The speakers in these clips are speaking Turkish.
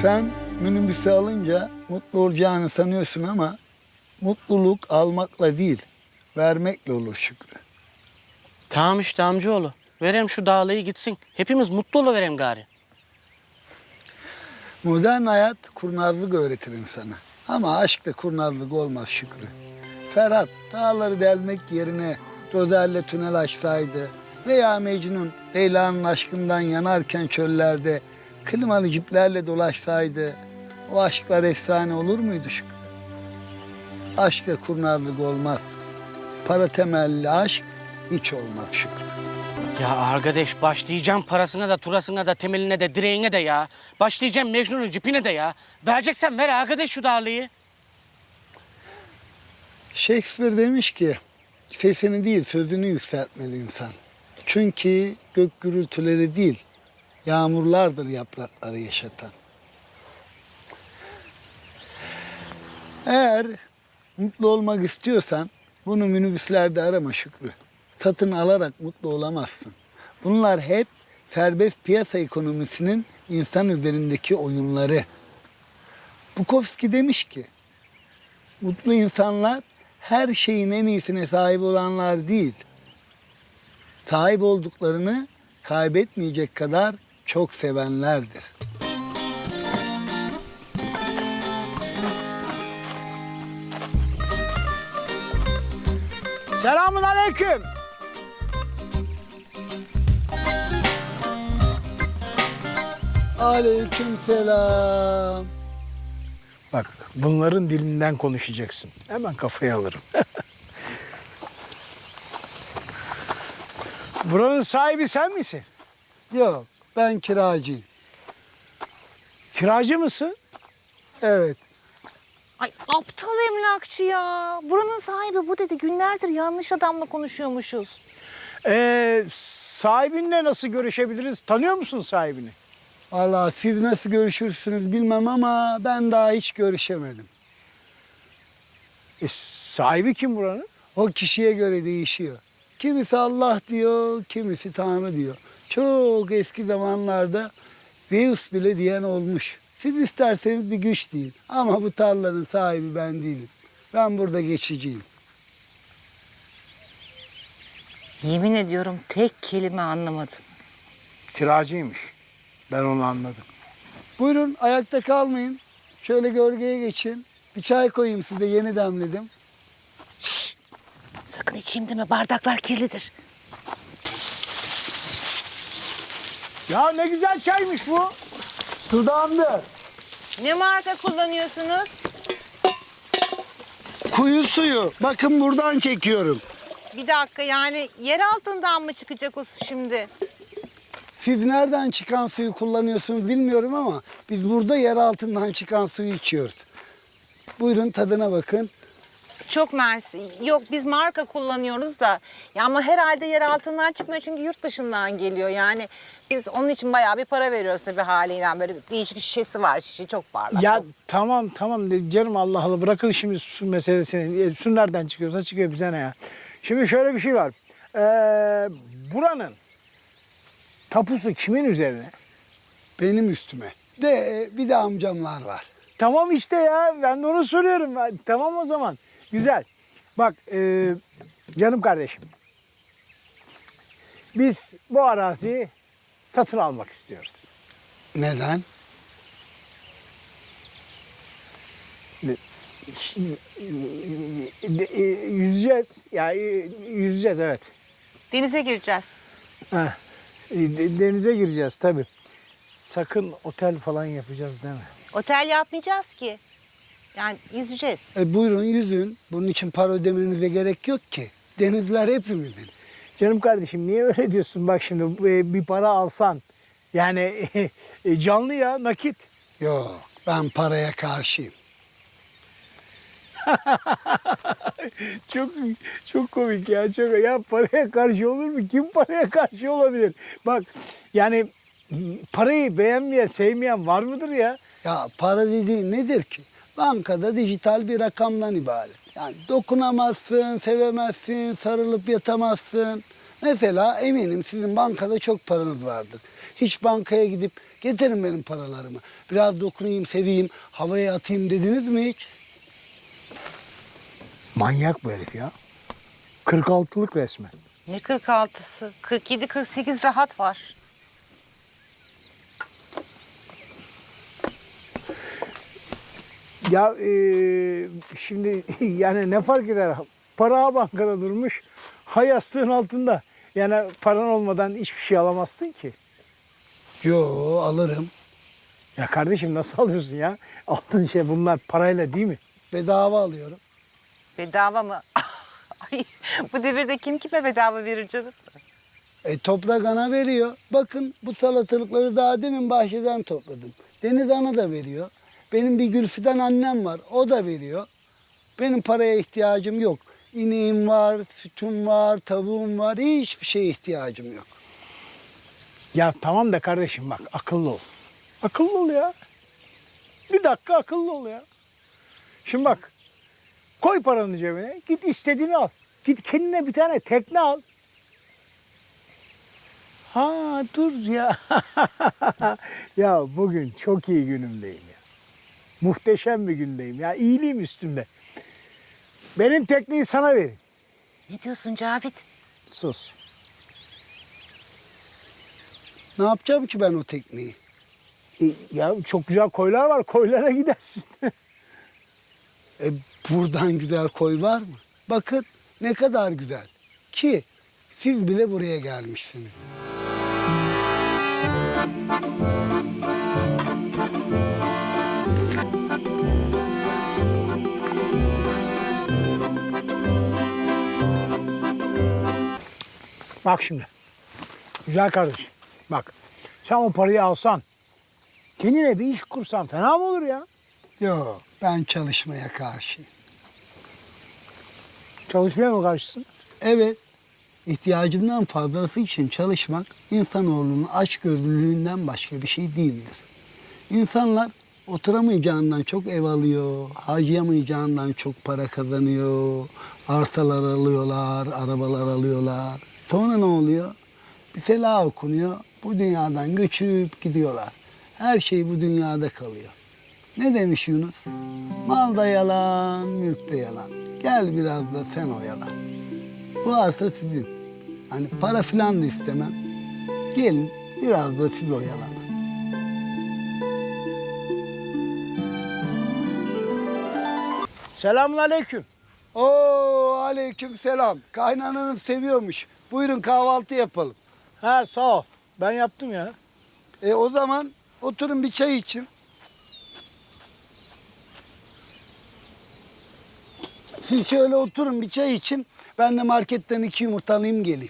Sen minibüsü alınca mutlu olacağını sanıyorsun ama mutluluk almakla değil, vermekle olur Şükrü. Tamam işte amcaoğlu. Verem şu dağlayı gitsin. Hepimiz mutlu oluverem gari. Modern hayat kurnazlık öğretir insana. Ama aşkta kurnazlık olmaz Şükrü. Ferhat dağları delmek yerine Rozel'le tünel açsaydı veya Mecnun Leyla'nın aşkından yanarken çöllerde klimalı ciplerle dolaşsaydı o aşklar efsane olur muydu Şükrü? Aşkla kurnazlık olmaz. Para temelli aşk hiç olmaz Şükrü. Ya arkadaş başlayacağım parasına da turasına da temeline de direğine de ya. Başlayacağım Mecnun'un cipine de ya. Vereceksen ver arkadaş şu dağlıyı. Shakespeare demiş ki sesini değil sözünü yükseltmeli insan. Çünkü gök gürültüleri değil yağmurlardır yaprakları yaşatan. Eğer mutlu olmak istiyorsan bunu minibüslerde arama Şükrü. Satın alarak mutlu olamazsın. Bunlar hep serbest piyasa ekonomisinin insan üzerindeki oyunları. Bukowski demiş ki mutlu insanlar her şeyin en iyisine sahip olanlar değil, sahip olduklarını kaybetmeyecek kadar çok sevenlerdir. Selamun aleyküm. Aleykümselam. Bak bunların dilinden konuşacaksın. Hemen kafaya alırım. Buranın sahibi sen misin? Yok, ben kiracıyım. Kiracı mısın? Evet. Ay aptal emlakçı ya. Buranın sahibi bu dedi. Günlerdir yanlış adamla konuşuyormuşuz. Sahibinle nasıl görüşebiliriz? Tanıyor musun sahibini? Vallahi siz nasıl görüşürsünüz bilmem ama ben daha hiç görüşemedim. Sahibi kim buranın? O kişiye göre değişiyor. Kimisi Allah diyor, kimisi Tanrı diyor. Çok eski zamanlarda Zeus bile diyen olmuş. Siz isterseniz bir güç deyin. Ama bu tarlanın sahibi ben değilim. Ben burada geçiciyim. Yemin ediyorum tek kelime anlamadım. Kiracıymış. Ben onu anladım. Buyurun ayakta kalmayın. Şöyle gölgeye geçin. Bir çay koyayım size yeni demledim. Sakın içeyim deme, bardaklar kirlidir. Ya ne güzel çaymış bu. Dudağımda. Ne marka kullanıyorsunuz? Kuyu suyu. Bakın buradan çekiyorum. Bir dakika, yani yer altından mı çıkacak o su şimdi? Siz nereden çıkan suyu kullanıyorsunuz bilmiyorum ama biz burada yer altından çıkan suyu içiyoruz. Buyurun tadına bakın. Çok mersi. Yok, biz marka kullanıyoruz da. Ya ama herhalde yer altından çıkmıyor çünkü yurt dışından geliyor. Yani biz onun için bayağı bir para veriyoruz tabii haliyle. Böyle değişik şişesi var, şişe çok parlak. Ya tamam canım Allah Allah bırakın şimdi su meselesini. Su nereden çıkıyorsa çıkıyor bize ne ya. Şimdi şöyle bir şey var. Buranın tapusu kimin üzerine? Benim üstüme. Bir de amcamlar var. Tamam işte ya ben de onu soruyorum. Tamam o zaman. Güzel. Bak canım kardeşim. Biz bu araziyi satın almak istiyoruz. Neden? Yüzeceğiz. Ya yüzeceğiz evet. Denize gireceğiz. Ha, denize gireceğiz tabii. Sakın otel falan yapacağız değil mi? Otel yapmayacağız ki. Yani yüzeceğiz. Buyurun yüzün. Bunun için para ödemenize gerek yok ki. Denizler hepimizin. Canım kardeşim niye öyle diyorsun? Bak şimdi bir para alsan yani canlı ya nakit. Yok ben paraya karşıyım. Çok komik ya. Ya paraya karşı olur mu? Kim paraya karşı olabilir? Bak yani parayı beğenmeyen, sevmeyen var mıdır ya? Ya para dediğin nedir ki? Bankada dijital bir rakamdan ibaret. Yani dokunamazsın, sevemezsin, sarılıp yatamazsın. Mesela eminim sizin bankada çok paranız vardır. Hiç bankaya gidip Getirin benim paralarımı. Biraz dokunayım, seveyim, havaya atayım dediniz mi hiç? Manyak bu herif ya. 46'lık resmen. Ne 46'sı? 47-48 rahat var. Ya şimdi yani ne fark eder? Para bankada durmuş, ha yastığın altında. Yani paran olmadan hiçbir şey alamazsın ki. Yo, alırım. Ya kardeşim nasıl alıyorsun ya? Aldığın şey bunlar parayla değil mi? Bedava alıyorum. Bedava mı? Ay, bu devirde kim kime bedava verir canım? Toprak ana veriyor. Bakın bu salatalıkları daha demin bahçeden topladım. Deniz ana da veriyor. Benim bir Gülfidan annem var. O da veriyor. Benim paraya ihtiyacım yok. İneğim var, sütüm var, tavuğum var. Hiçbir şeye ihtiyacım yok. Ya tamam da kardeşim bak akıllı ol. Akıllı ol ya. Bir dakika akıllı ol ya. Şimdi bak koy paranı cebine git istediğini al. Git kendine bir tane tekne al. Ha dur ya. Ya bugün çok iyi günümdeyim ya. Muhteşem bir gündeyim ya. İyiliğim üstümde. Benim tekneyi sana verin. Ne diyorsun Cavit? Sus. Ne yapacağım ki ben o tekneyi? Ya çok güzel koylar var. Koylara gidersin. Buradan güzel koy var mı? Bakın ne kadar güzel. Ki siz bile buraya gelmişsiniz. Bak şimdi. Güzel kardeşim. Bak. Sen o parayı alsan. Kendine bir iş kursan fena mı olur ya? Yok, ben çalışmaya karşıyım. Çalışmaya mı karşısın? Evet, ihtiyacımdan fazlası için çalışmak insanoğlunun açgözlülüğünden başka bir şey değildir. İnsanlar oturamayacağından çok ev alıyor, harcayamayacağından çok para kazanıyor, arsalar alıyorlar, arabalar alıyorlar. Sonra ne oluyor? Bir selah okunuyor, bu dünyadan göçüp gidiyorlar. Her şey bu dünyada kalıyor. Ne demiş Yunus? Mal da yalan, mülk de yalan. Gel biraz da sen oyalan. Bu arsa sizin. Hani para filan da istemem. Gelin biraz da siz oyalanın. Selamünaleyküm. Oo, aleyküm selam. Kaynananız seviyormuş. Buyurun kahvaltı yapalım. Ha sağ ol. Ben yaptım ya. O zaman oturun bir çay için. Siz şöyle oturun bir çay için. Ben de marketten 2 yumurta alayım geleyim.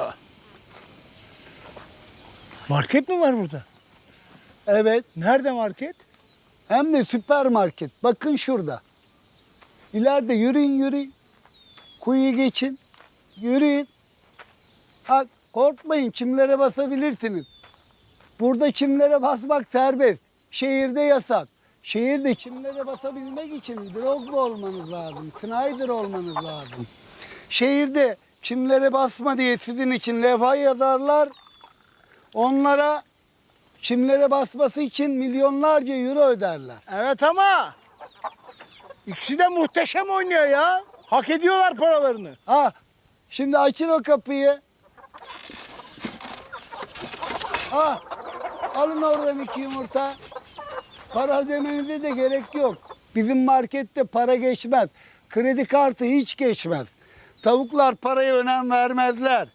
Market mi var burada? Evet. Nerede market? Hem de süpermarket. Bakın şurada. İleride yürüyün. Kuyuyu geçin. Yürüyün. Ha, korkmayın çimlere basabilirsiniz. Burada çimlere basmak serbest. Şehirde yasak. Şehirde çimlere basabilmek için Drogba olmanız lazım. Snyder olmanız lazım. Şehirde çimlere basma diye sizin için levha yazarlar. Onlara çimlere basması için milyonlarca euro öderler. Evet ama ikisi de muhteşem oynuyor ya. Hak ediyorlar paralarını. Ha, şimdi açın o kapıyı. Ha, alın oradan 2 yumurta. Para ödemenize de gerek yok. Bizim markette para geçmez. Kredi kartı hiç geçmez. Tavuklar paraya önem vermezler.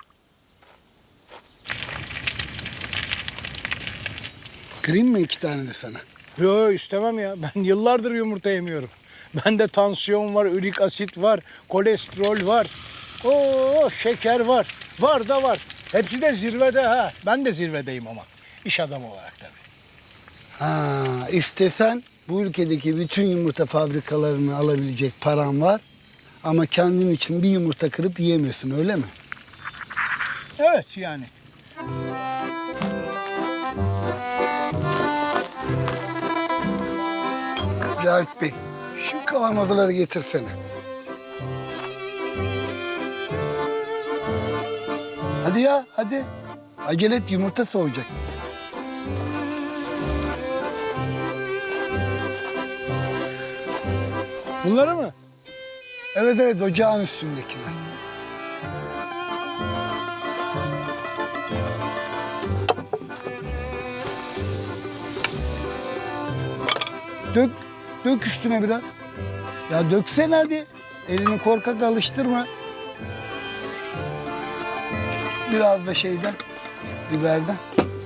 Kırayım mı 2 tane de sana? Yo istemem ya. Ben yıllardır yumurta yemiyorum. Bende tansiyon var, ürik asit var, kolesterol var. Oo şeker var. Var da var. Hepsi de zirvede ha. Ben de zirvedeyim ama. İş adamı olarak tabii. Ha, istesen bu ülkedeki bütün yumurta fabrikalarını alabilecek paran var. Ama kendin için bir yumurta kırıp yiyemiyorsun öyle mi? Evet yani. Cavit Bey, şu kavanozları getirsene. Hadi ya, hadi. Acele et, yumurta soğuyacak. Bunları mı? Evet evet, ocağın üstündekiler. Dök, dök üstüne biraz. Ya döksene hadi. Elini korkak alıştırma. Biraz da şeyden, biberden.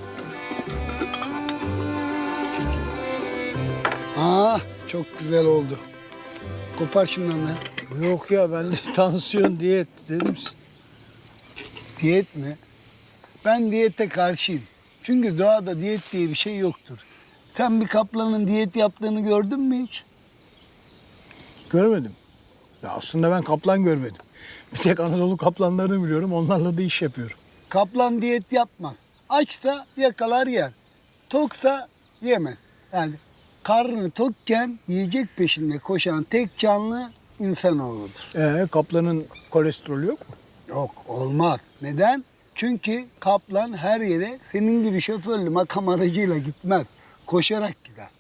Çok güzel oldu. Kopar şundan da. Yok ya, ben de tansiyon, diyet dedim. Diyet mi? Ben diyete karşıyım. Çünkü doğada diyet diye bir şey yoktur. Sen bir kaplanın diyet yaptığını gördün mü hiç? Görmedim. Ya aslında ben kaplan görmedim. Bir tek Anadolu kaplanlarını biliyorum. Onlarla da iş yapıyorum. Kaplan diyet yapmaz. Açsa yakalar yer. Toksa yemez. Yani karnı tokken yiyecek peşinde koşan tek canlı insanoğludur. Kaplanın kolesterolü yok mu? Yok, olmaz. Neden? Çünkü kaplan her yere senin gibi şoförlü makam aracıyla gitmez. Koşarak gider.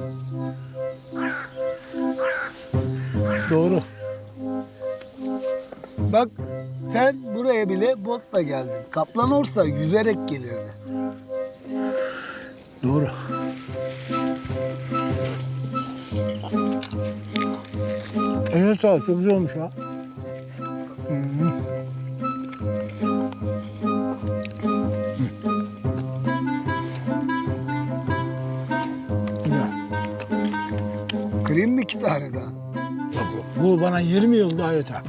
Doğru. Bak sen buraya bile botla geldin. Kaplan olsa yüzerek gelirdi. Doğru. Evet sağ ol, çok güzel olmuş ha. Güzel. Kırayım mı 2 tane daha? Yok yok, bu bana 20 yıl daha yeter.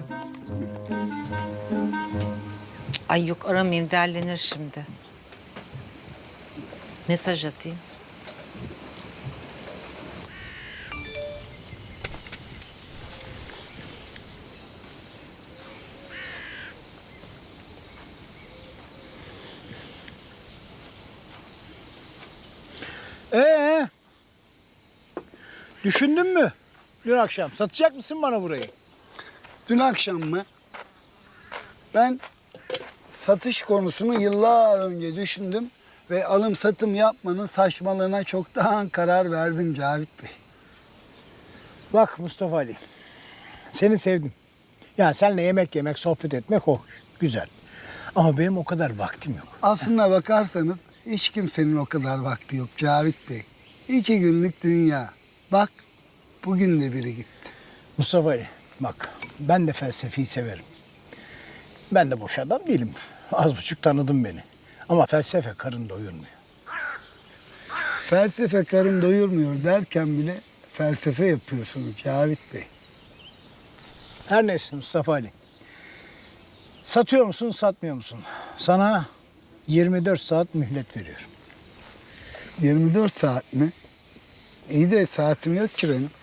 Ay yok, aramayayım, derlenir şimdi. Mesaj atayım. Düşündün mü? Dün akşam satacak mısın bana burayı? Dün akşam mı? Ben satış konusunu yıllar önce düşündüm ve alım satım yapmanın saçmalığına çoktan karar verdim Cavit Bey. Bak Mustafa Ali, seni sevdim. Yani seninle yemek yemek, sohbet etmek hoş, güzel. Ama benim o kadar vaktim yok. Aslına bakarsanız hiç kimsenin o kadar vakti yok Cavit Bey. 2 günlük dünya. Bak bugün de biri gitti. Mustafa Ali, bak ben de felsefeyi severim. Ben de boş adam değilim. Az buçuk tanıdın beni. Ama felsefe karın doyurmuyor. Felsefe karın doyurmuyor derken bile felsefe yapıyorsunuz Cavit Bey. Her neyse Mustafa Ali. Satıyor musun, satmıyor musun? Sana 24 saat mühlet veriyorum. 24 saat mi? İyi de saatim yok ki benim.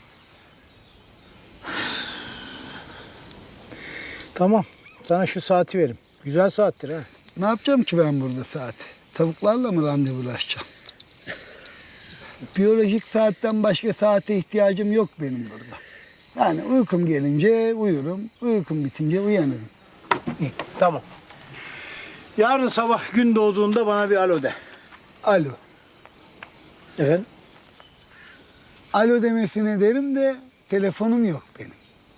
Tamam, sana şu saati verim. Güzel saattir ha. Ne yapacağım ki ben burada saati? Tavuklarla mı randevulaşacağım? Biyolojik saatten başka saate ihtiyacım yok benim burada. Yani uykum gelince uyurum, uykum bitince uyanırım. İyi, tamam. Yarın sabah gün doğduğunda bana bir alo de. Alo. Efendim? Alo demesine derim de telefonum yok benim.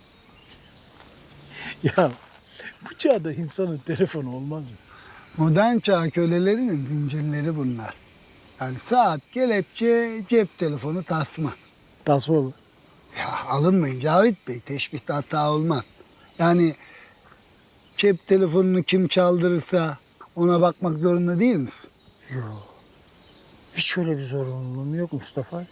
Ya bu çağda insanın telefonu olmaz mı? Modern çağ kölelerinin zincirleri bunlar. Yani saat, kelepçe, cep telefonu, tasma. Tasma mı? Ya alınmayın Cavit Bey, teşbihte hata olmaz. Yani cep telefonunu kim çaldırırsa ona bakmak zorunda değil misin? Hiç öyle bir zorunluluğum yok Mustafa.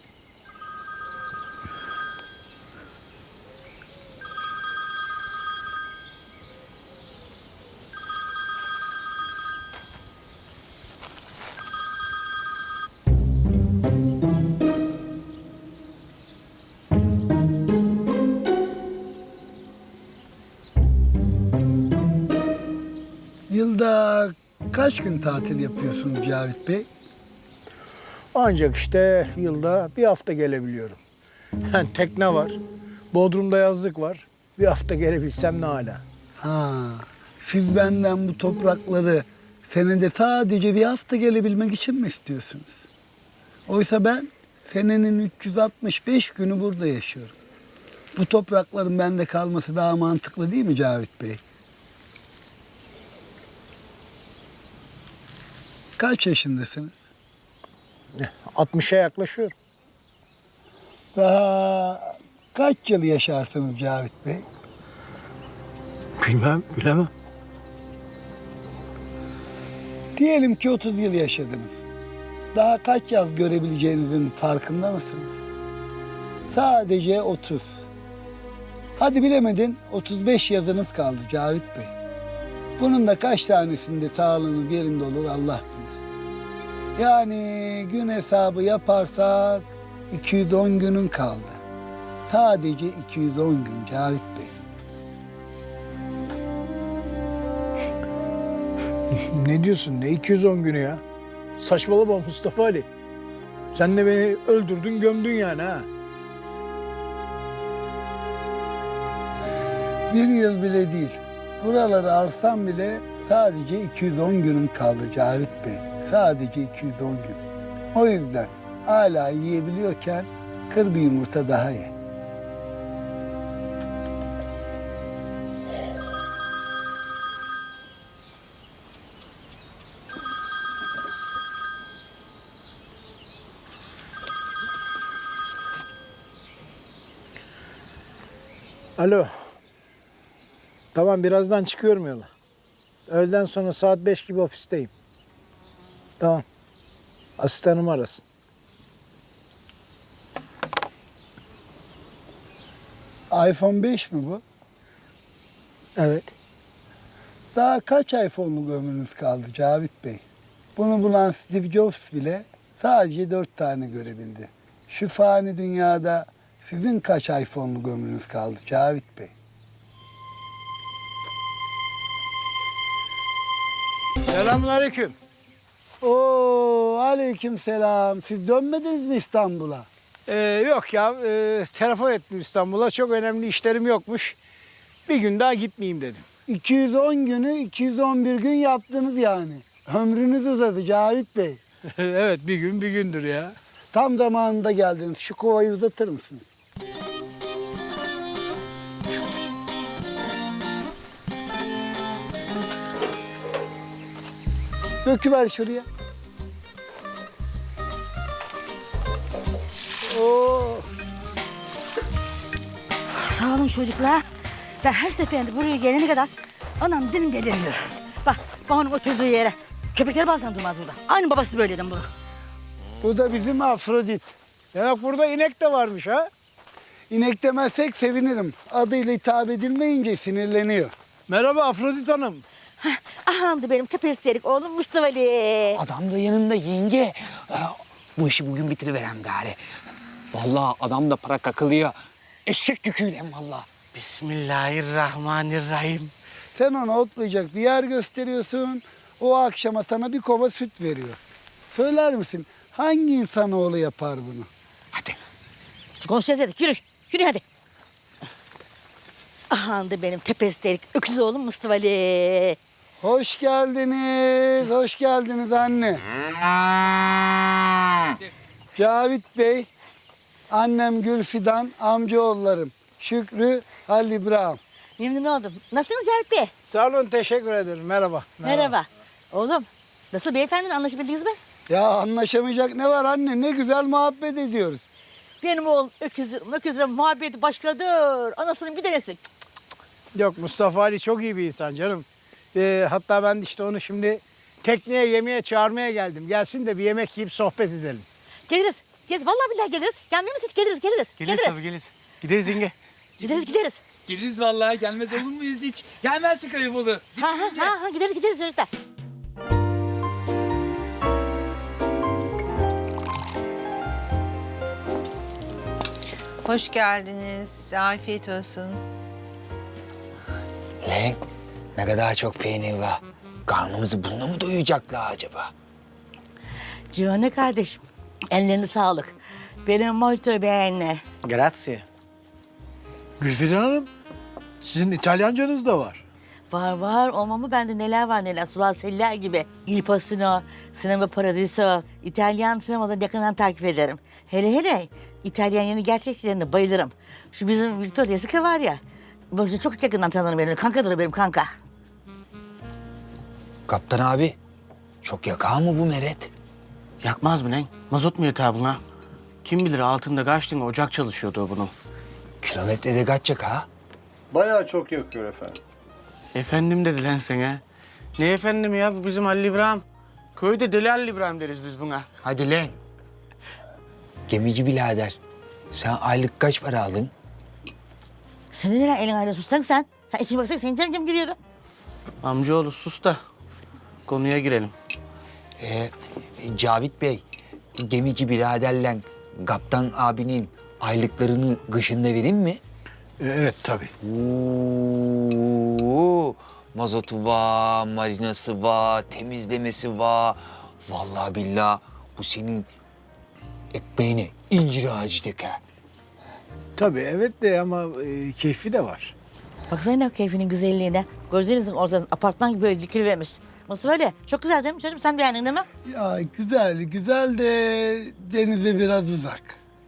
Yılda kaç gün tatil yapıyorsunuz Cavit Bey? Ancak işte yılda bir hafta gelebiliyorum. Yani tekne var, Bodrum'da yazlık var. Bir hafta gelebilsem ne hala. Ha, siz benden bu toprakları senede sadece bir hafta gelebilmek için mi Bu toprakların bende kalması daha mantıklı değil mi Cavit Bey? Kaç yaşındasınız? 60'a yaklaşıyor. Daha kaç yıl yaşarsınız Cavit Bey? Bilmem, bilemem. Diyelim ki 30 yıl yaşadınız. Daha kaç yaz görebileceğinizin farkında mısınız? Sadece 30. Hadi bilemedin 35 yazınız kaldı Cavit Bey. Bunun da kaç tanesinde sağlığınız yerinde olur Allah bilir. Yani gün hesabı yaparsak 210 günün kaldı. Sadece 210 gün Cavit Bey. Ne diyorsun? Ne 210 günü ya? Saçmalama Mustafa Ali. Sen de beni öldürdün, gömdün yani ha. Bir yıl bile değil. Buraları arsam bile sadece 210 günüm kaldı Cavit Bey. Sadece 210 gün. O yüzden hala yiyebiliyorken kır bir yumurta daha ye. Alo. Tamam, birazdan çıkıyorum yola. Öğleden sonra saat 5 gibi ofisteyim. Tamam. Asistanım arasın. iPhone 5 mi bu? Evet. Daha kaç iPhone'luk ömrünüz kaldı Cavit Bey? Bunu bulan Steve Jobs bile sadece 4 tane görebildi. Şu fani dünyada sizin kaç iPhone'luk ömrünüz kaldı Cavit Bey? Selamünaleyküm. Oo, aleyküm selam. Siz dönmediniz mi İstanbul'a? Yok ya, telefon ettim İstanbul'a. Çok önemli işlerim yokmuş. Bir gün daha gitmeyeyim dedim. 210 günü 211 gün yaptınız yani. Ömrünüz uzadı Cavit Bey. Evet, bir gün bir gündür ya. Tam zamanında geldiniz. Şu kovayı uzatır mısınız? Döküver şuraya. Oo. Sağ olun çocuklar. Ben her seferinde buraya gelene kadar anam dilim gelemiyor. Bak onun oturduğu yere. Köpekler bazen durmaz burada. Aynı babası böyleydi bunu. Bu da bizim Afrodit. Demek burada inek de varmış ha. İnek demezsek sevinirim. Adıyla hitap edilmeyince sinirleniyor. Merhaba Afrodit Hanım. Ahandı benim tepesterik oğlum Mustafa Ali. Adam da yanında yenge. Bu işi bugün bitiriverem gari. Vallahi adam da para kakılıyor. Eşek yüküyle vallahi. Bismillahirrahmanirrahim. Sen ona otlayacak bir yer gösteriyorsun. O akşama sana bir kova süt veriyor. Söyler misin hangi insanoğlu yapar bunu? Hadi. Konuşacağız dedik yürü. Yürü hadi. Ahandı benim tepesterik öküz oğlum Mustafa Ali. Hoş geldiniz. Hoş geldiniz anne. Cavit Bey, annem Gülfidan, amcaoğullarım Şükrü, Halil İbrahim. Memnun oldum. Nasılsınız Cavit Bey? Sağ olun, teşekkür ederim. Merhaba. Merhaba. Oğlum nasıl beyefendinin anlaşabildiniz mi? Ya anlaşamayacak ne var anne? Ne güzel muhabbet ediyoruz. Benim oğlum öküzle muhabbeti başkadır. Anasının bir tanesi. Yok, Mustafa Ali çok iyi bir insan canım. Hatta ben işte onu şimdi tekneye yemeğe çağırmaya geldim. Gelsin de bir yemek yiyip sohbet edelim. Geliriz. Vallahi billahi geliriz. Gelmiyor musun hiç? Geliriz. Geliriz tabii geliriz. Gideriz yenge. Gideriz. Geliriz vallahi, gelmez olur muyuz hiç? Gelmezsin Kayıbolu. Ha, gideriz çocuklar. Hoş geldiniz. Afiyet olsun. Lan ne kadar çok peynir var. Karnımızı bununla mı doyuracaklar acaba? Civan'ı kardeşim. Ellerine sağlık. Benim molto bene. Grazie. Gülfidan Hanım, sizin İtalyancanız da var. Var olmamı bende neler var neler. Sular seller gibi. Il Postino, Sinema Paradiso, İtalyan sinemaları yakından takip ederim. Hele İtalyan yeni gerçekçilerine bayılırım. Şu bizim Victoria Sica var ya. Böyle çok yakından tanırım beni. Kankadır benim kanka. Kaptan abi, çok yakar mı bu meret? Yakmaz mı lan? Mazot mu yeter buna? Kim bilir altında kaç tane ocak çalışıyordu o bunun. Kilometrede kaç yakar? Bayağı çok yakıyor efendim. Efendim dedi lan sana. Ne efendim ya, bu bizim Halil İbrahim. Köyde Deli Halil İbrahim deriz biz buna. Hadi lan. Gemici birader, sen aylık kaç para aldın? Senin neden elin aile sussan sen? Sen işine baksana senin canım giriyorum. Amcaoğlu sus da konuya girelim. Cavit Bey, gemici biraderle kaptan abinin aylıklarını kışında vereyim mi? Evet tabii. Oo, mazotu var, marinası var, temizlemesi var. Vallahi billahi bu senin ekmeğine incir ağacı teker. Tabii evet de ama keyfi de var. Baksana ne keyfinin güzelliğine. Gözlerinizin ortadan apartman gibi böyle dikilivermiş. Nasıl öyle? Çok güzel değil mi çocuğum? Sen beğendin değil mi? Ya güzel, güzel de denize biraz uzak.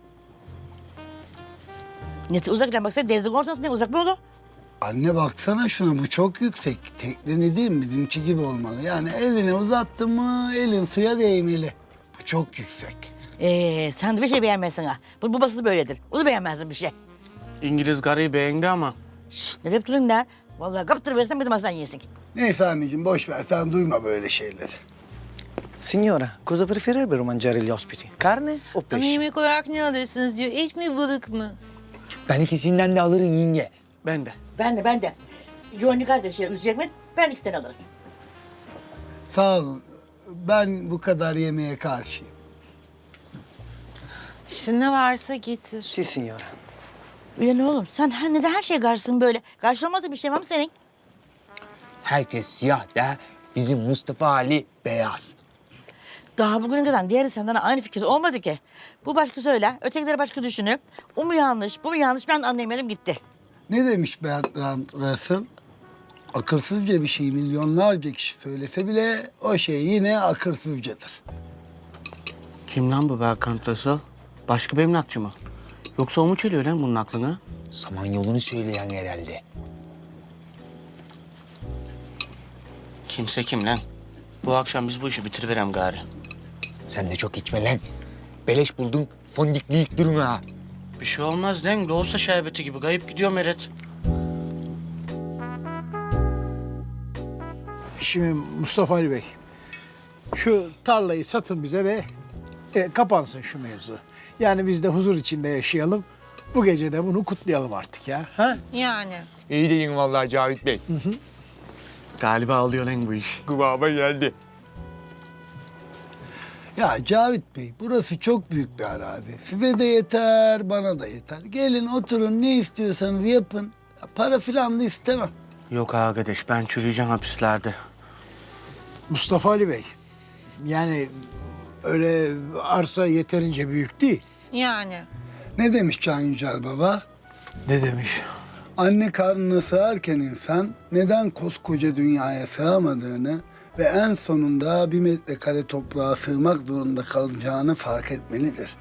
Ne uzak lan baksana denizin ortasında uzak mı olur? Anne baksana şuna, bu çok yüksek. Tekne değil mi? Bizimki gibi olmalı. Yani elini uzattın mı elin suya değmeli. Bu çok yüksek. Sen de bir şey beğenmezsin ha. Bu babası böyledir. O da beğenmezsin bir şey. İngiliz karıyı beğendi ama. Şşt ne deyip durun lan? Vallahi kaptır versen bir de masadan yesin. Neyse anneciğim boş ver, sen duyma böyle şeyleri. Signora, cosa preferirebbero mangiare gli ospiti? Carne o Ama pesce? yemek olarak ne alırsınız diyor. Et mi balık mı? Ben ikisinden de alırım yenge. Ben de. Ben de. Johnny kardeşi üzecek mi? Ben ikisinden alırım. Sağ olun. Ben bu kadar yemeğe karşıyım. İşte ne varsa getir. Sì, signora. Ulan oğlum sen neden her şeye karşısın böyle? Karşılamadığın bir şey var mı senin? Herkes siyah da bizim Mustafa Ali beyaz. Daha bugüne kadar diğeri senden aynı fikir olmadı ki. Bu başka söyle, ötekileri başka düşünüp o mu yanlış, bu mu yanlış ben anlayamadım gitti. Ne demiş Bertrand Russell? Akılsızca bir şey milyonlarca kişi söylese bile o şey yine akılsızcadır. Kim lan bu Berkant Russell? Başka bir emlakçı mı? Yoksa o mu çeliyor lan bunun aklını? Samanyolu'nu söyleyen herhalde. Kimse kim lan? Bu akşam biz bu işi bitiriverem gari. Sen de çok içme lan. Beleş buldun, fondikleyip durma ha. Bir şey olmaz lan. Doğusa şerbeti gibi kayıp gidiyor Meret. Şimdi Mustafa Ali Bey, şu tarlayı satın bize de kapansın şu mevzu. Yani biz de huzur içinde yaşayalım. Bu gece de bunu kutlayalım artık ya. Ha? Yani. İyi deyin vallahi Cavit Bey. Galiba alıyor lan bu iş. Kıvama geldi. Ya Cavit Bey, burası çok büyük bir arazi. Size de yeter, bana da yeter. Gelin oturun, ne istiyorsanız yapın. Ya para filan da istemem. Yok arkadaş, ben çürüyeceğim hapislerde. Mustafa Ali Bey, yani öyle arsa yeterince büyük değil. Yani. Ne demiş Can Yücel Baba? Ne demiş? Anne karnına sığarken insan neden koskoca dünyaya sığamadığını ve en sonunda 1 metrekare toprağa sığmak zorunda kalacağını fark etmelidir.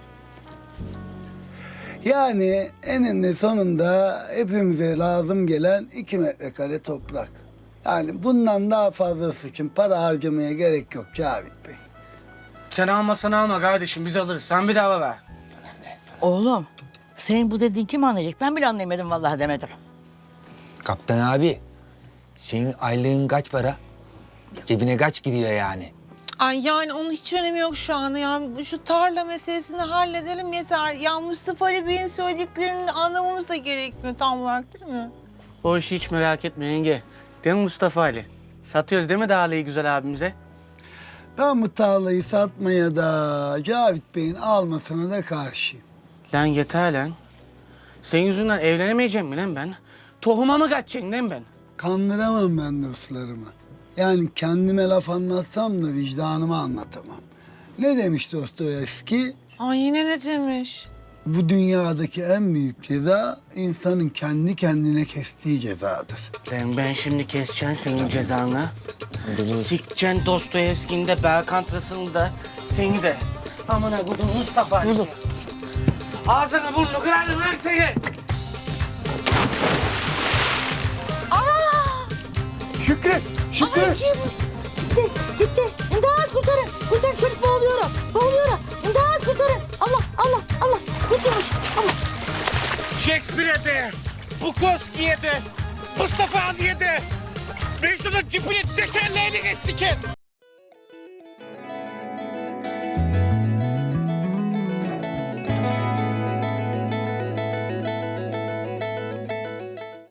Yani eninde sonunda hepimize lazım gelen 2 metrekare toprak. Yani bundan daha fazlası için para harcamaya gerek yok Cavit Bey. Sen almasan alma kardeşim, biz alırız. Sen bir daha ver. Oğlum senin bu dediğin kim anlayacak? Ben bile anlayamadım vallahi demedim. Kaptan abi, senin aylığın kaç para? Cebine kaç giriyor yani? Ay yani onun hiç önemi yok şu anda ya. Şu tarla meselesini halledelim yeter. Ya Mustafa Ali Bey'in söylediklerini anlamamız da gerekmiyor tam olarak değil mi? O işi hiç merak etme yenge. Değil mi Mustafa Ali? Satıyoruz değil mi Dağlı'yı güzel abimize? Ben bu tarlayı satmaya da Cavit Bey'in almasına da karşıyım. Lan yeter lan. Senin yüzünden evlenemeyeceğim mi lan ben? Tohuma mı kaçacaksın lan ben? Kandıramam ben dostlarımı. Yani kendime laf anlatsam da vicdanıma anlatamam. Ne demiş Dostoyevski? Ay yine ne demiş? Bu dünyadaki en büyük ceza insanın kendi kendine kestiği cezadır. Ben şimdi keseceğim senin cezanı. Sikeceksin Dostoyevski'ni de, Berkant Russell'ı da, seni de. Amına kodum Mustafa Ali. Ağzını burnunu kırarım lan seni. Şükrü! Şükrü! Gitti, gitti. İmdat kurtarın. Kurtarın çocuk boğuluyorum. Boğuluyorum. İmdat kurtarın. Allah, Allah, Allah. Kurtulmuş. Allah. Shakespeare'e de, Bukowski'ye de, Mustafa Ali'ye de, Mecnun'un cipini tekerleğini geçtikin.